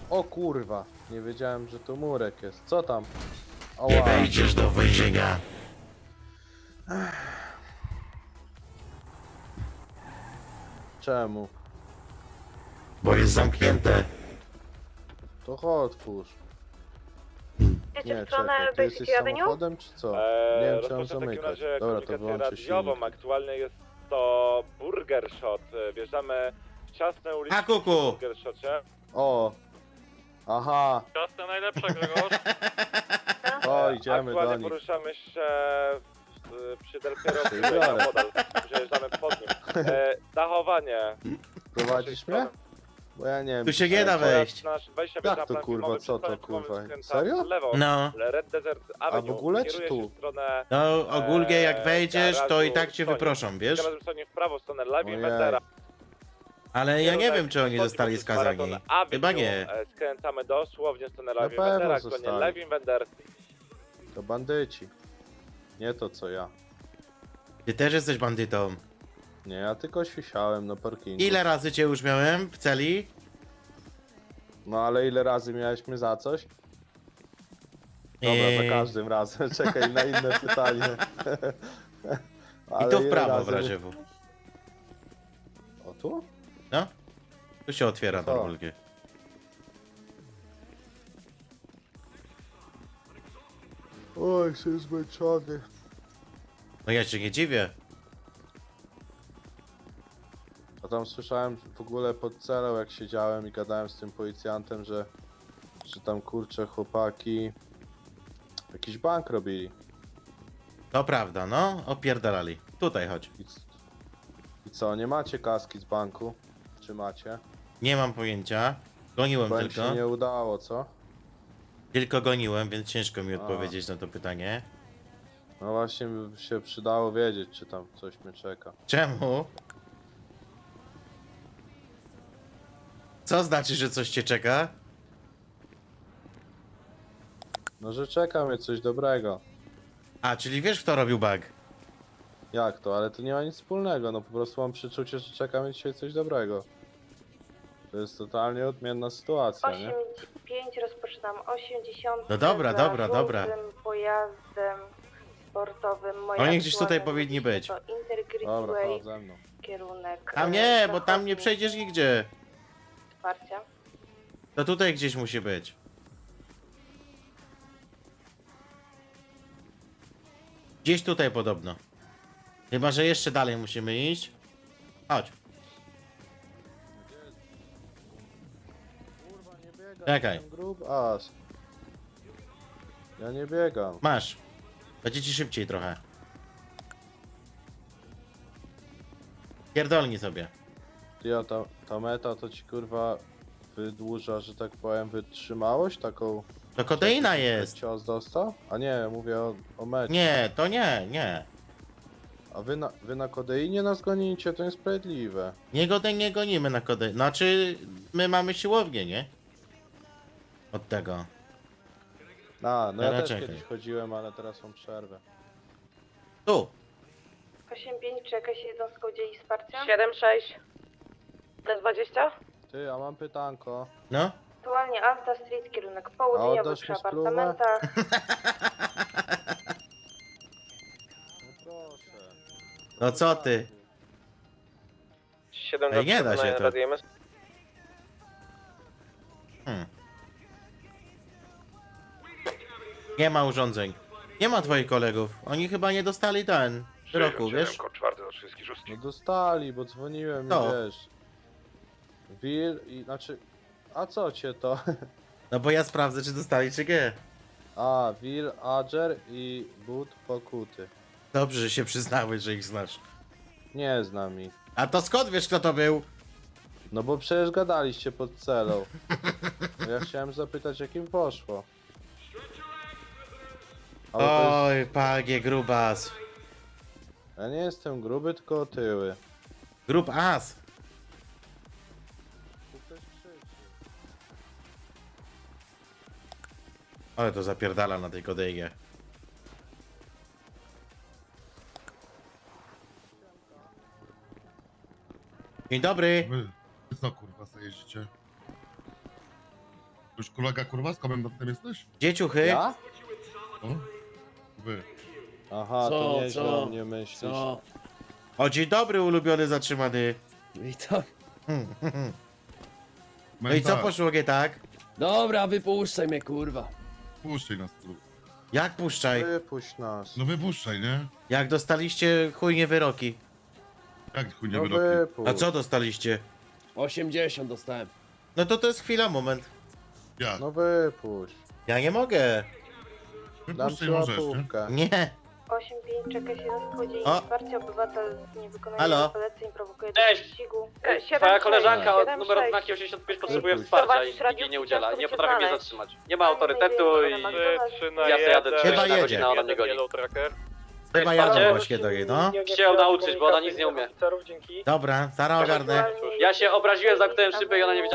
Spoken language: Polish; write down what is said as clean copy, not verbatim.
O kurwa, nie wiedziałem, że to murek jest. Co tam? Nie Ała. wejdziesz do więzienia. Czemu? Bo jest zamknięte. To chodź, otwórz. Jedziecie Nie, w stronę czekaj, ty jesteś Basic Avenue? samochodem czy co? Nie wiem, czy mam Rozpoczę w takim zamykać. razie Dobra, to komunikację wyłączę radiową. silnik. Aktualnie jest to Burger Shot. Wjeżdżamy w ciasne uliczki A kuku! w Burger Shocie. O! Aha! Ciasto najlepsze, Grzegorz. O, idziemy Aktualnie do nich. poruszamy się przy Del Piero Biorę. model. Przejeżdżamy pod nim. Dachowanie. Prowadzisz mnie? Bo ja nie wiem. Tu się nie da wejść. Nasz wejście Jak na to, plan kurwa, filmowy, co to, przed planem kurwa? filmowym skręca Serio? w lewo. No. Red Desert Avenue. w ogóle, czy Kieruje tu? się w stronę No ogólnie jak wejdziesz, to i garażu tak cię Sony. wyproszą, wiesz? Teraz stronie w prawo, w stronę Lewi Ojej. Wendera. Ale ja nie wiem, czy oni zostali skazani. Chyba nie. Skręcamy dosłownie w stronę Na Lewi pewno Wendera, aktualnie zostali. Lewi Wender. To bandyci. Nie to co ja. Ty też jesteś bandytą. Nie, ja tylko świsiałem na parkingu. Ile razy cię już miałem w celi? No ale ile razy miałeś mnie za coś? Dobra, za każdym razem. Czekaj na inne pytanie. I Ale to w ile prawo w razy razie W. O tu? No? Tu się otwiera Co? normalnie. Oj, jestem zmęczony. No ja się nie dziwię. A tam słyszałem w ogóle pod celą, jak siedziałem i gadałem z tym policjantem, że tam kurczę chłopaki jakiś bank robili. To prawda, no. Opierdalali. Tutaj chodź. I co, nie macie kaski z banku? Czy macie? Nie mam pojęcia. Goniłem Bo im tylko. się nie udało, co? Tylko goniłem, więc ciężko mi A. odpowiedzieć na to pytanie. No właśnie by się przydało wiedzieć, czy tam coś mnie czeka. Czemu? Co znaczy, że coś cię czeka? No, że czeka mnie coś dobrego. A, czyli wiesz, kto robił bug? Jak to? Ale to nie ma nic wspólnego, no po prostu mam przeczucie, że czeka mnie dzisiaj coś dobrego. To jest totalnie odmienna sytuacja, nie? 85, rozpoczynam 80. No dobra, za dobra, dobra. żółtym pojazdem sportowym. Moja Oni gdzieś tutaj aktualna powinni uliczka być. To Intergrid Dobra, Way, chodź ze mną. kierunek Tam nie, bo tam zachodni, nie przejdziesz nigdzie. Wsparcia. To tutaj gdzieś musi być. Gdzieś tutaj podobno. Chyba, że jeszcze dalej musimy iść. Chodź. Kurwa, nie biegam. Czekaj. jestem grub as. Ja nie biegam. Masz. Będzie ci szybciej trochę. Pierdolnij sobie. Ty, a ta meta to ci kurwa wydłuża, że tak powiem, wytrzymałość taką. To kodeina jest. Cios dostał? A nie, mówię o mecie. Nie, to nie, nie. A wy na kodeinie nas gonicie, to niesprawiedliwe. Nie gonimy na kodeinę. Znaczy, my mamy siłownię, nie? Od tego. A, no ja Teraz też czekaj. kiedyś chodziłem, ale teraz mam przerwę. Tu. 85, czy jakaś jednostka udzieli wsparcia? 7-6. T20? Ty, a mam pytanko. No. Aktualnie Alta Street, kierunek południowy oddasz przy mi spluwę? apartamentach. No proszę. No co ty? 7 Ej, nie da się to. Radio MS. Nie ma urządzeń. Nie ma twoich kolegów. Oni chyba nie dostali ten wyroku, wiesz? No dostali, bo dzwoniłem i Co? wiesz. Will i znaczy. A co cię to? No bo ja sprawdzę, czy dostali, czy nie. A, Will, Adger i Bud Pokuty. Dobrze, że się przyznałeś, że ich znasz. Nie znam ich. A to skąd wiesz, kto to był? No bo przecież gadaliście pod celą. Ja chciałem zapytać, jak im poszło. Ale to jest... Oj, pagie, grubas. Ja nie jestem gruby, tylko otyły. Grub as. Ale to zapierdala na tej kodejnie. Dzień dobry. Wy co kurwa sobie jeździcie? Już kolega kurwa z komendantem jesteś? Gdzie ciuchy? Ja? O? Wy. Aha, Co, to nieźle co? o mnie myślisz. Co? O, dzień dobry, ulubiony zatrzymany. Witam. No i co poszło nie tak? Dobra, wypuszczaj mnie, kurwa. Puszczaj nas tu. Jak puszczaj? Wypuść nas. No wypuszczaj, nie? Jak dostaliście chujnie wyroki? Jak chuj nie No wyroki? wypuść. A co dostaliście? 80 dostałem. No to jest chwila, moment. Jak? No wypuść. Ja nie mogę. Dam Wypuszczaj ci możesz, nie? Nie. 8-5, czeka się na wschodzie i O. wsparcie. Obywatel nie wykonuje Halo? poleceń, prowokuje do Cześć. wyścigu. Twoja koleżanka od numeru odznaki 85 potrzebuje Wypuść. wsparcia i nikt jej nie udziela. Nie potrafi mnie zatrzymać. Nie ma autorytetu i ja sobie jadę 3 Chyba na jedzie. godzinę, a ona mnie goni. Chyba Wsparcie? jadę właśnie do niej, no. Muszę ją nauczyć, bo ona nic nie umie. Dobra, zaraz ogarnę. Ja się obraziłem, zamknąłem szybę i ona nie wiedziała.